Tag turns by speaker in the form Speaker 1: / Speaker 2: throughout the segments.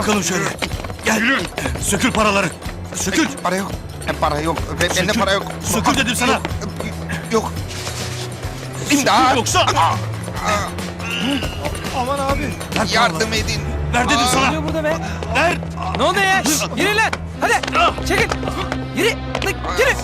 Speaker 1: bakalım şöyle. Gel. Sökül paraları. Sökül.
Speaker 2: Para yok. Para yok. Bende para yok.
Speaker 1: Sökül dedim sana.
Speaker 2: Yok. İmdat.
Speaker 1: Yoksa.
Speaker 3: Aman abi.
Speaker 2: Yardım edin.
Speaker 1: Ver dedim
Speaker 3: Ne
Speaker 1: sana.
Speaker 3: oluyor burada be?
Speaker 1: Ver.
Speaker 3: Ne oluyor ya? Şşş, yürü lan. Hadi. Çekil. Yürü. Lan, yürü.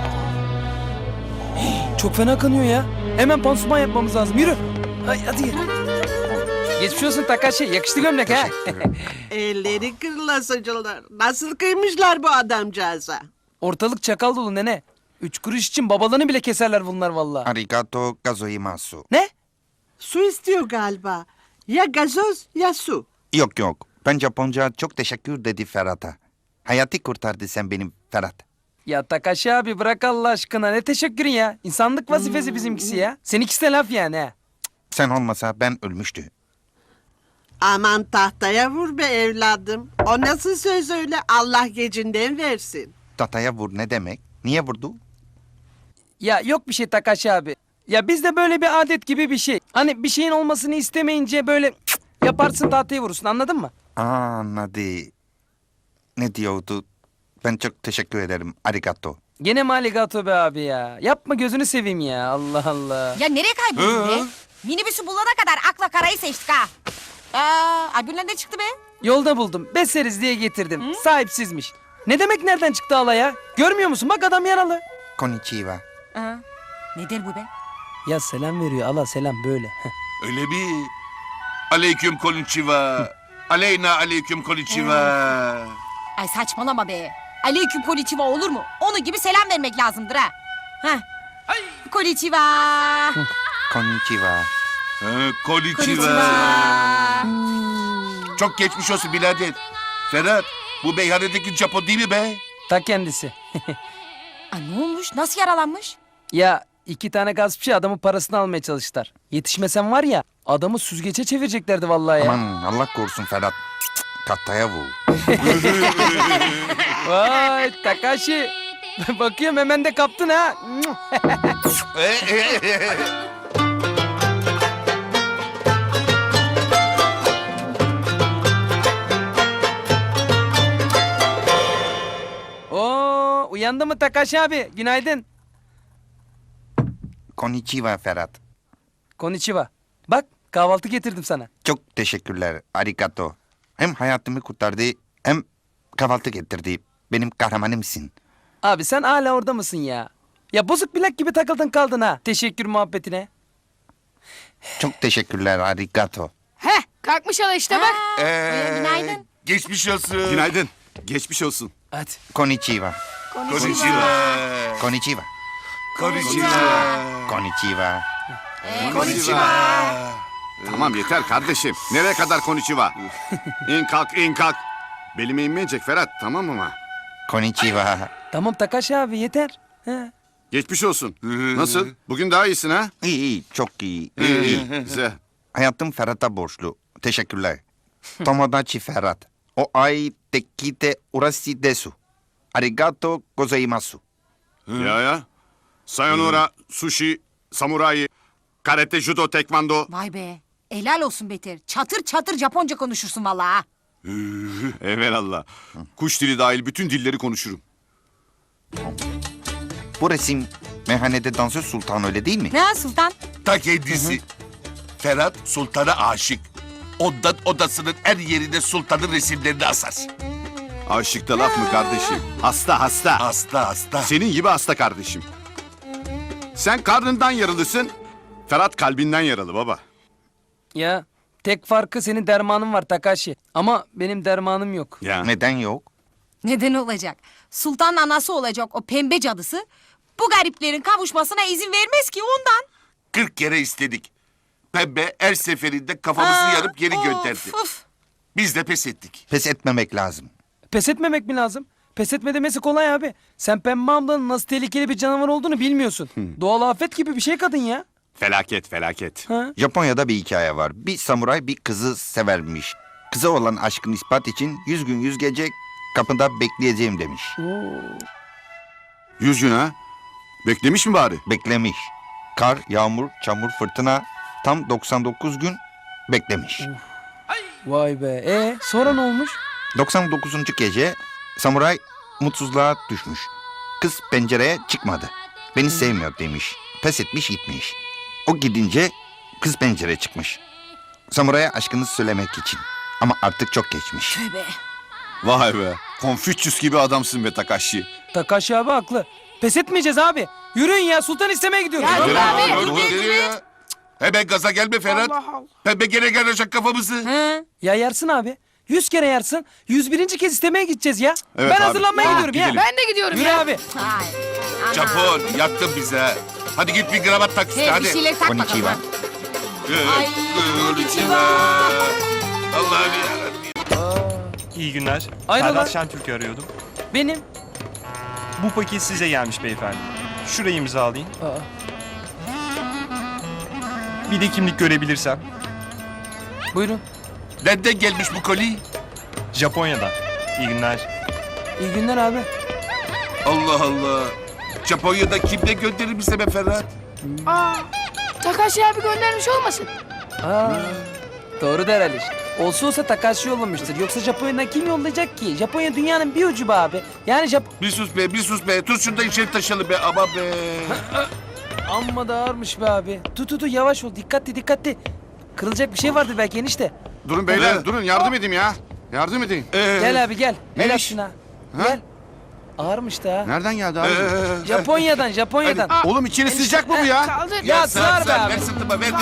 Speaker 3: Çok fena kanıyor ya. Hemen pansuman yapmamız lazım. Yürü. Hadi yürü. Geçmiş olsun Takashi. Yakıştı gömlek ha.
Speaker 4: Elleri kırılasıcılar. Nasıl kıymışlar bu adamcağıza?
Speaker 3: Ortalık çakal dolu nene. 3 kuruş için babalarını bile keserler bunlar vallahi.
Speaker 2: Arigato gozaimasu.
Speaker 3: Ne?
Speaker 4: Su istiyor galiba. Ya gazoz ya su.
Speaker 2: Yok. Ben Japonca çok teşekkür dedi Ferhat'a. Hayatı kurtardı sen benim Ferhat.
Speaker 3: Ya Takashi abi bırak Allah aşkına. Ne teşekkürün ya. İnsanlık vazifesi bizimkisi ya. Seninkisi de laf yani ha.
Speaker 2: Sen olmasa ben ölmüştü.
Speaker 4: Aman tahtaya vur be evladım. O nasıl söz öyle, Allah gecinden versin.
Speaker 2: Tataya vur ne demek? Niye vurdu?
Speaker 3: Ya yok bir şey Takashi abi. Ya bizde böyle bir adet gibi bir şey. Hani bir şeyin olmasını istemeyince böyle yaparsın tahtaya vurursun, anladın mı?
Speaker 2: Anladı. Ne diyordu? Ben çok teşekkür ederim. Arigato.
Speaker 3: Gene mi aligato be abi ya? Yapma gözünü seveyim ya. Allah Allah.
Speaker 5: Ya nereye kayboldun be? Minibüsü bulana kadar akla karayı seçtik ha. Albümler ne çıktı be?
Speaker 3: Yolda buldum. Beseriz diye getirdim. Sahipsizmiş. Ne demek nereden çıktı hala ya? Görmüyor musun? Bak adam yaralı.
Speaker 2: Konnichiwa.
Speaker 5: Ne der bu be?
Speaker 3: Ya selam veriyor. Allah selam böyle.
Speaker 6: Öyle mi? Aleyküm konnichiwa. Aleyna aleyküm konnichiwa.
Speaker 5: Ay saçmalama be. Aleyküm konnichiwa olur mu? Onu gibi selam vermek lazımdır ha. Heh. Konnichiwa.
Speaker 2: Konnichiwa.
Speaker 6: Konnichiwa. Çok geçmiş olsun birader. Ferhat, bu meyhanedeki Japon değil mi be?
Speaker 3: Ta kendisi.
Speaker 5: Ne olmuş? Nasıl yaralanmış?
Speaker 3: Ya 2 tane gaspçı adamın parasını almaya çalıştılar. Yetişmesen var ya adamı süzgece çevireceklerdi vallahi ya.
Speaker 2: Aman Allah korusun Ferhat. Tataya vur.
Speaker 3: Vay Takashi. Bakıyorum hemen de kaptın ha. Oo, uyandı mı Takashi abi? Günaydın.
Speaker 2: Konnichiwa Ferhat.
Speaker 3: Konnichiwa. Bak kahvaltı getirdim sana.
Speaker 2: Çok teşekkürler. Arigato. Hem hayatımı kurtardı hem kahvaltı getirdi. Benim kahramanımsın.
Speaker 3: Abi sen hala orada mısın ya? Ya bozuk bilek gibi takıldın kaldın ha. Teşekkür muhabbetine.
Speaker 2: Çok teşekkürler. Arigato.
Speaker 5: Heh kalkmış hala işte bak. Günaydın.
Speaker 6: Geçmiş olsun.
Speaker 7: Günaydın. Geçmiş olsun.
Speaker 3: Hadi.
Speaker 2: Konnichiwa.
Speaker 6: Konnichiwa.
Speaker 2: Konnichiwa.
Speaker 6: Konnichiwa.
Speaker 2: Konnichiwa.
Speaker 6: Konnichiwa.
Speaker 7: Tamam yeter kardeşim. Nereye kadar konnichiwa? İn kalk, in kalk. Belime inmeyecek Ferhat, tamam mı?
Speaker 2: Konnichiwa.
Speaker 3: Tamam Takashi abi yeter. He.
Speaker 7: Geçmiş olsun. Nasıl? Bugün daha iyisin ha?
Speaker 2: İyi, çok iyi.
Speaker 7: İyi. Güzel.
Speaker 2: Hayatım Ferhat'a borçlu. Teşekkürler. Tomodachi Ferhat. O ai tekite urasi desu. Arigato gozaimasu.
Speaker 7: Ya. Sayonara, sushi, samurai, karate, judo, tekvando.
Speaker 5: Vay be. Helal olsun Beter. Çatır çatır Japonca konuşursun vallahi ha.
Speaker 7: Evelallah. Kuş dili dahil bütün dilleri konuşurum.
Speaker 2: Bu resim meyhanede dansöz sultan öyle değil mi?
Speaker 5: Ne Sultan?
Speaker 6: Ta kendisi. Ferhat sultana aşık. Ondan odasının her yerine sultanın resimlerini asar.
Speaker 7: Aşıkta laf mı kardeşim? Hasta.
Speaker 6: Hasta.
Speaker 7: Senin gibi hasta kardeşim. Sen karnından yaralısın. Ferhat kalbinden yaralı baba.
Speaker 3: Ya tek farkı senin dermanın var Takashi. Ama benim dermanım yok.
Speaker 7: Ya.
Speaker 2: Neden yok?
Speaker 5: Neden olacak? Sultanın anası olacak o pembe cadısı. Bu gariplerin kavuşmasına izin vermez ki ondan.
Speaker 6: 40 kere istedik. Pembe her seferinde kafamızı yarıp geri gönderdi.
Speaker 5: Of.
Speaker 6: Biz de pes ettik.
Speaker 2: Pes etmemek lazım.
Speaker 3: Pes etmemek mi lazım? Pes etme demesi kolay abi. Sen Pembe ablanın nasıl tehlikeli bir canavar olduğunu bilmiyorsun. Doğal afet gibi bir şey kadın ya.
Speaker 7: Felaket.
Speaker 3: Ha?
Speaker 2: Japonya'da bir hikaye var. Bir samuray bir kızı severmiş. Kıza olan aşkını ispat için 100 gün 100 gece kapında bekleyeceğim demiş.
Speaker 7: 100 gün ha? Beklemiş mi bari?
Speaker 2: Beklemiş. Kar, yağmur, çamur, fırtına tam 99 gün beklemiş.
Speaker 3: Vay be. Sonra ne olmuş?
Speaker 2: 99. gece samuray mutsuzluğa düşmüş. Kız pencereye çıkmadı. Beni sevmiyor demiş. Pes etmiş gitmiş. O gidince kız pencereye çıkmış. Samuray'a aşkını söylemek için. Ama artık çok geçmiş.
Speaker 5: Tövbe.
Speaker 7: Vay be. Konfüçyüs gibi adamsın be Takashi.
Speaker 3: Takashi abi haklı. Pes etmeyeceğiz abi. Yürüyün ya sultan istemeye gidiyoruz.
Speaker 5: Ya,
Speaker 3: Vallahi.
Speaker 5: abi,
Speaker 6: Dur, nereye ya? Hemen gaza gelme Ferhat. Pembe gene gelecek kafamızı.
Speaker 5: He?
Speaker 3: Ya yarsın abi. 100 kere yarsın. 101. kez istemeye gideceğiz ya.
Speaker 7: Evet
Speaker 3: Ben
Speaker 7: abi.
Speaker 3: hazırlanmaya
Speaker 7: Ha,
Speaker 3: gidiyorum ya.
Speaker 7: gidelim.
Speaker 8: Ben de gidiyorum
Speaker 3: Yürü
Speaker 8: ya.
Speaker 3: abi.
Speaker 5: Ay. ana.
Speaker 6: Japon yaktın bize. ha. Hadi git bir kravat tak işte
Speaker 5: He, bir
Speaker 6: hadi.
Speaker 5: şeyler tak bakalım.
Speaker 2: Konnichiwa.
Speaker 5: ha. Ay, konnichiwa.
Speaker 6: Allah'ım yarabbim.
Speaker 9: İyi günler.
Speaker 3: Hayrola?
Speaker 9: Ferhat Şentürk'ü arıyordum.
Speaker 3: Benim.
Speaker 9: Bu paket size gelmiş beyefendi. Şurayı imzalayın.
Speaker 3: Aa,
Speaker 9: Bir de kimlik görebilirsem.
Speaker 3: buyurun.
Speaker 6: Nereden gelmiş bu koli?
Speaker 9: Japonya'dan. İyi günler.
Speaker 3: İyi günler abi.
Speaker 6: Allah Allah. Japonya'da kimden gönderir bize be Ferhat?
Speaker 8: Aa, Takashi abi göndermiş olmasın?
Speaker 3: Aa, doğru der Ali. Olsa olsa Takashi yollamıştır. Yoksa Japonya'dan kim yollayacak ki? Japonya dünyanın bir ucu be abi. Yani
Speaker 6: Bir sus be, bir sus be. Tut şunu da içeri taşıyalım be. Ama be.
Speaker 3: Amma da ağırmış be abi. Tut yavaş ol. Dikkatli. Kırılacak bir şey vardır belki enişte.
Speaker 7: Durun beyler,
Speaker 6: Evet.
Speaker 7: durun yardım edeyim ya. Yardım edeyim.
Speaker 3: Gel abi gel.
Speaker 7: Ne
Speaker 3: El
Speaker 7: iş?
Speaker 3: şuna.
Speaker 7: Ha?
Speaker 3: Gel. Ağırmış da ha.
Speaker 7: Nereden geldi abi?
Speaker 3: Japonya'dan.
Speaker 7: Oğlum içeri sıcak mı bu ya?
Speaker 8: Kaldır.
Speaker 3: Ya sığar be
Speaker 6: Sen
Speaker 3: abi.
Speaker 6: ver sırtıma, ver.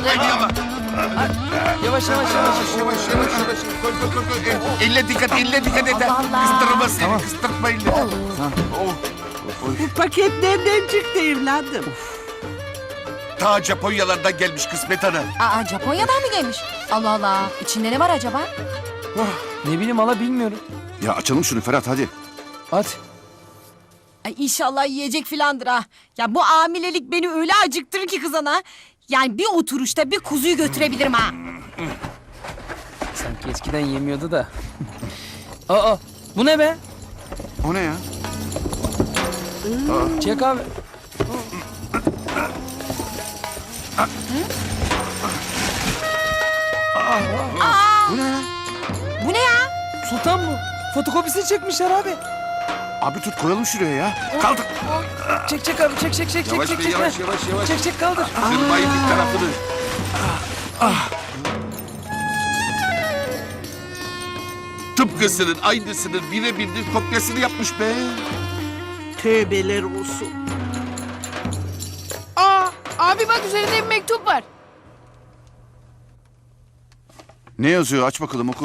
Speaker 3: Yavaş.
Speaker 6: Yavaş. Koy. Elle dikkat et.
Speaker 5: Allah Allah.
Speaker 6: Kıstırma seni, kıstırma elle. Oh.
Speaker 4: Bu paket nereden çıktı evladım?
Speaker 6: Ta Japonyalardan gelmiş kısmet ana.
Speaker 5: Aa, Japonya'dan mı gelmiş? Allah Allah. İçinde ne var acaba?
Speaker 3: Ne bileyim hala bilmiyorum.
Speaker 7: Ya açalım şunu Ferhat hadi.
Speaker 3: Hadi.
Speaker 5: Ay inşallah yiyecek filandır ha. Ya bu hamilelik beni öyle acıktırır ki kızana. Yani bir oturuşta bir kuzuyu götürebilirim ha.
Speaker 3: Sanki eskiden yemiyordu da. Aa, bu ne be?
Speaker 7: O ne ya?
Speaker 3: Çek abi.
Speaker 7: Bu ne ya?
Speaker 5: Bu ne ya?
Speaker 3: Sultan bu. Fotokopisini çekmişler abi.
Speaker 7: Abi tut koyalım şuraya ya.
Speaker 6: Kaldır.
Speaker 3: Çek abi çek.
Speaker 6: Yavaş be, yavaş.
Speaker 3: Çek kaldır.
Speaker 6: Kırmayın bir tarafını. Tıpkısının, aynısının birebir kopyasını yapmış be.
Speaker 4: Tövbeler olsun.
Speaker 8: Aa, abi bak üzerinde bir mektup var.
Speaker 7: Ne yazıyor? Aç bakalım oku.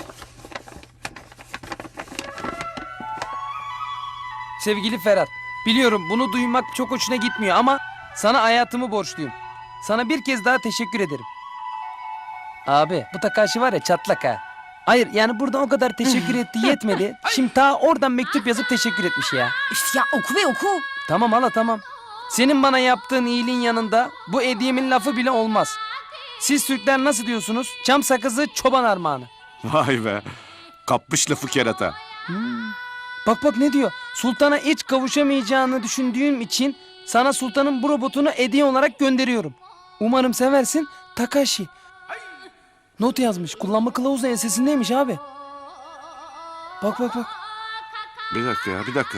Speaker 3: Sevgili Ferhat, biliyorum bunu duymak çok hoşuna gitmiyor ama sana hayatımı borçluyum. Sana bir kez daha teşekkür ederim. Abi bu Takashi var ya çatlak ha. Hayır yani burada o kadar teşekkür etti yetmedi. Şimdi ta oradan mektup yazıp teşekkür etmiş ya.
Speaker 5: Üf ya oku ve oku.
Speaker 3: Tamam hala tamam. Senin bana yaptığın iyiliğin yanında bu hediyemin lafı bile olmaz. Siz Türkler nasıl diyorsunuz? Çam sakızı çoban armağanı.
Speaker 7: Vay be. Kapmış lafı kerata.
Speaker 3: Bak ne diyor? Sultana hiç kavuşamayacağını düşündüğüm için sana sultanın bu robotunu hediye olarak gönderiyorum. Umarım seversin Takashi. Not yazmış. Kullanma kılavuzu ensesindeymiş abi. Bak.
Speaker 7: Bir dakika ya bir dakika.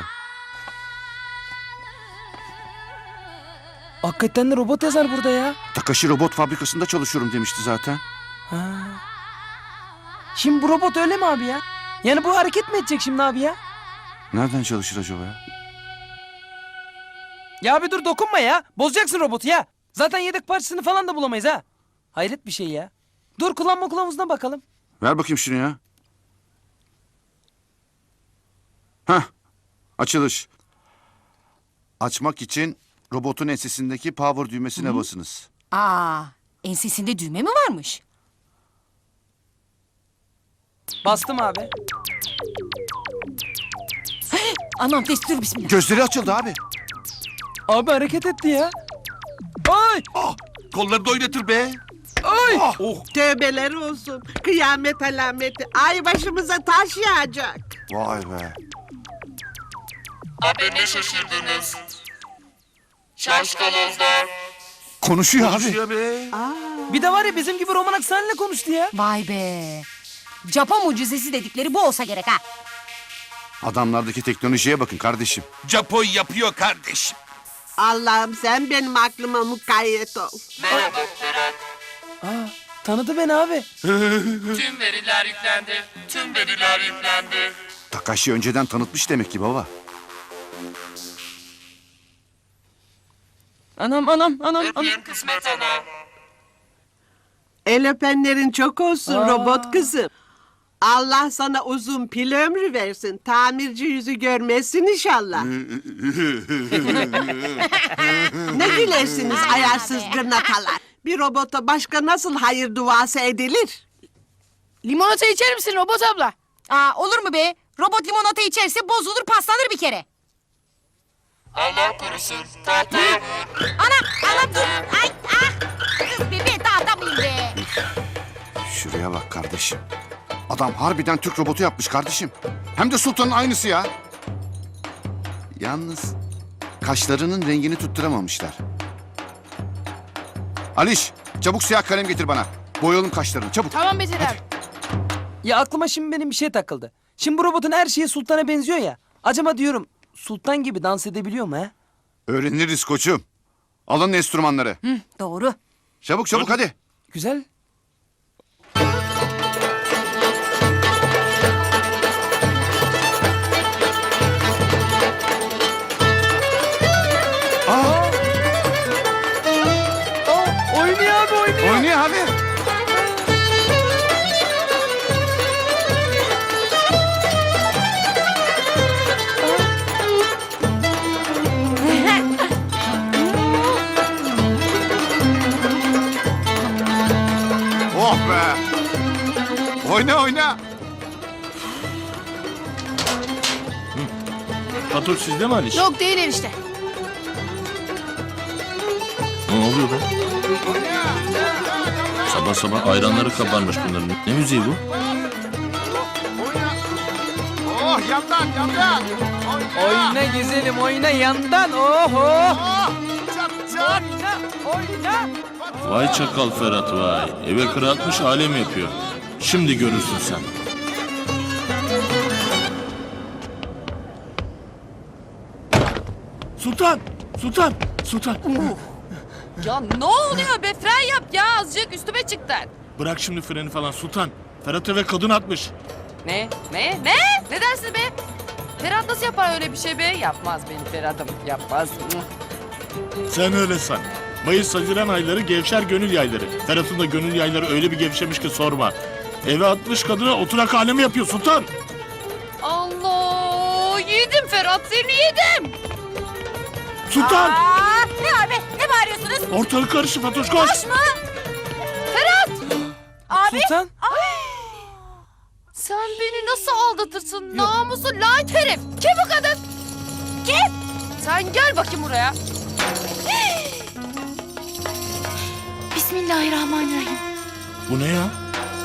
Speaker 3: Hakikaten de robot yazar burada ya.
Speaker 7: Takashi robot fabrikasında çalışıyorum demişti zaten.
Speaker 3: Ha. Şimdi bu robot öyle mi abi ya? Yani bu hareket mi edecek şimdi abi ya?
Speaker 7: Nereden çalışır acaba ya?
Speaker 3: Ya abi dur dokunma ya. Bozacaksın robotu ya. Zaten yedek parçasını falan da bulamayız ha. Hayret bir şey ya. Dur kullanma kılavuzuna bakalım.
Speaker 7: Ver bakayım şunu ya. Hah. Açılış. Açmak için robotun ensesindeki power düğmesine basınız.
Speaker 5: Aa, ensesinde düğme mi varmış?
Speaker 3: Bastım abi.
Speaker 5: Anam destur bismillah.
Speaker 7: Gözleri açıldı abi.
Speaker 3: Abi hareket etti ya. Ay!
Speaker 6: Ah, kolları da oynatır be.
Speaker 3: Ay!
Speaker 6: Oh.
Speaker 4: Tövbeler olsun. Kıyamet alameti. Ay başımıza taş yağacak.
Speaker 7: Vay be.
Speaker 10: Abi ne şaşırdınız? Şaşkalozlar.
Speaker 7: Konuşuyor abi.
Speaker 6: Konuşuyor be.
Speaker 3: Bir de var ya bizim gibi roman aksanıyla konuştu ya.
Speaker 5: Vay be. Japon mucizesi dedikleri bu olsa gerek ha.
Speaker 7: Adamlardaki teknolojiye bakın kardeşim.
Speaker 6: Japon yapıyor kardeşim.
Speaker 4: Allah'ım sen benim aklıma mukayyet ol.
Speaker 3: Tanıdı beni abi.
Speaker 7: Takashi önceden tanıtmış demek ki baba.
Speaker 3: Anam.
Speaker 4: El öpenlerin çok olsun robot kızım. Allah sana uzun pil ömrü versin. Tamirci yüzü görmezsin inşallah. Ne gülersiniz ayarsız gırnatalar. Bir robota başka nasıl hayır duası edilir?
Speaker 8: Limonata içer misin robot abla?
Speaker 5: Aa, olur mu be? Robot limonata içerse bozulur paslanır bir kere.
Speaker 8: Allah korusun. Tahtaya vur.
Speaker 5: Anam dur. Ay ah. Kız bebeği dağıtamayayım be.
Speaker 7: Şuraya bak kardeşim. Adam harbiden Türk robotu yapmış kardeşim. Hem de Sultan'ın aynısı ya. Yalnız kaşlarının rengini tutturamamışlar. Aliş, çabuk siyah kalem getir bana. Boyayalım kaşlarını çabuk.
Speaker 8: Tamam Beter abi.
Speaker 3: Ya aklıma şimdi benim bir şey takıldı. Şimdi bu robotun her şeyi Sultan'a benziyor ya. Acaba diyorum Sultan gibi dans edebiliyor mu ha?
Speaker 7: Öğreniriz koçum. Alın enstrümanları.
Speaker 5: Hı, doğru.
Speaker 7: Çabuk hadi.
Speaker 3: Güzel. Oynuyor abi oynuyor.
Speaker 7: Oynuyor abi. Oh be. Oyna.
Speaker 1: Fatoş sizde mi Aliş?
Speaker 8: Yok değil enişte.
Speaker 1: Ne oluyor be? Sabah sabah ayranları kabarmış bunların. Ne müziği bu?
Speaker 7: Oh yandan.
Speaker 3: Oyna güzelim oyna yandan. Oho.
Speaker 7: Çat.
Speaker 3: Oyna.
Speaker 1: Vay çakal Ferhat vay. Eve kıra atmış alem yapıyor. Şimdi görürsün sen. Sultan!
Speaker 8: Ya ne oluyor be? Fren yap ya azıcık üstüme çıktın.
Speaker 1: Bırak şimdi freni falan Sultan. Ferhat eve kadın atmış.
Speaker 8: Ne? Ne dersin be? Ferhat nasıl yapar öyle bir şey be? Yapmaz benim Ferhat'ım. Yapmaz.
Speaker 1: Sen öyle san. Mayıs-Haziran ayları gevşer gönül yayları. Ferhat'ın da gönül yayları öyle bir gevşemiş ki sorma. Eve atmış kadına oturak alemi yapıyor Sultan.
Speaker 8: Allah! Yedim Ferhat seni yedim.
Speaker 1: Sultan!
Speaker 5: Aa, ne abi? Ne bağırıyorsunuz?
Speaker 1: Ortalık karıştı Fatoş koş.
Speaker 5: Taş mı? Ferhat! Abi.
Speaker 3: Sultan.
Speaker 8: Sen beni nasıl aldatırsın namusu lanet herif? Kim bu kadın? Kim? Sen gel bakayım buraya. Bismillahirrahmanirrahim.
Speaker 1: Bu ne ya?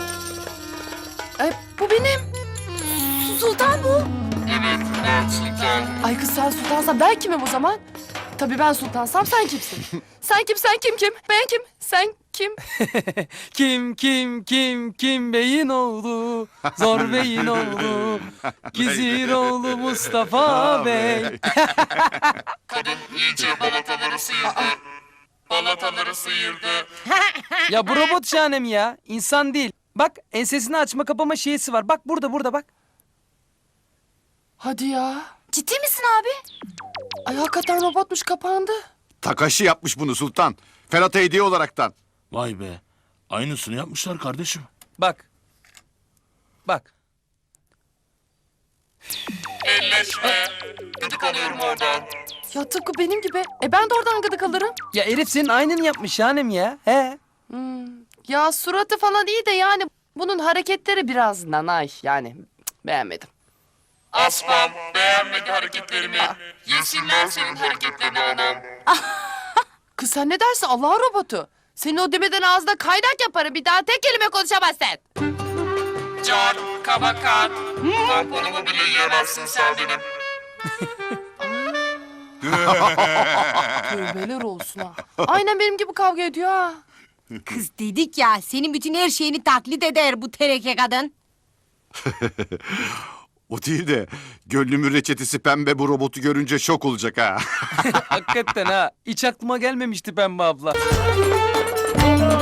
Speaker 8: Bu benim. Sultan bu. Evet ben Sultan. Ay kız sen sultansan ben kimim o zaman? Tabii ben sultansam sen kimsin? Sen kim? Ben kim? Sen kim?
Speaker 3: Kim beyin oğlu, zor beyin oğlu, Gizir oğlu Mustafa Bey.
Speaker 8: Balataları sıyırdı.
Speaker 3: Ya bu robot şahane mi ya? İnsan değil. Bak ensesini açma kapama şeysi var. Bak burada bak.
Speaker 8: Hadi ya.
Speaker 5: Ciddi misin abi?
Speaker 8: Ay hakikaten robotmuş kapandı.
Speaker 7: Takashi yapmış bunu Sultan. Ferhat'a hediye olaraktan.
Speaker 1: Vay be. Aynısını yapmışlar kardeşim.
Speaker 3: Bak.
Speaker 8: Ya tıpkı benim gibi. Ben de oradan gıdık alırım.
Speaker 3: Ya herif senin aynını yapmış şahanem ya. He.
Speaker 8: Ya suratı falan iyi de yani bunun hareketleri biraz nanay yani beğenmedim.
Speaker 10: Aslan beğenmedi hareketlerimi. Yesinler senin hareketlerini anam.
Speaker 8: Kız sen ne dersin Allah'ın robotu? Senin o demeden ağzına kaynak yaparım bir daha tek kelime konuşamazsın.
Speaker 10: Can, kabakan. Tamponumu bile yiyemezsin sen benim.
Speaker 8: Tövbeler olsun ha. Aynen benim gibi kavga ediyor ha.
Speaker 5: Kız dedik ya senin bütün her şeyini taklit eder bu tereke kadın.
Speaker 7: O değil de gönlümün reçetesi pembe bu robotu görünce şok olacak ha.
Speaker 3: Hakikaten ha. Hiç aklıma gelmemişti Pembe abla.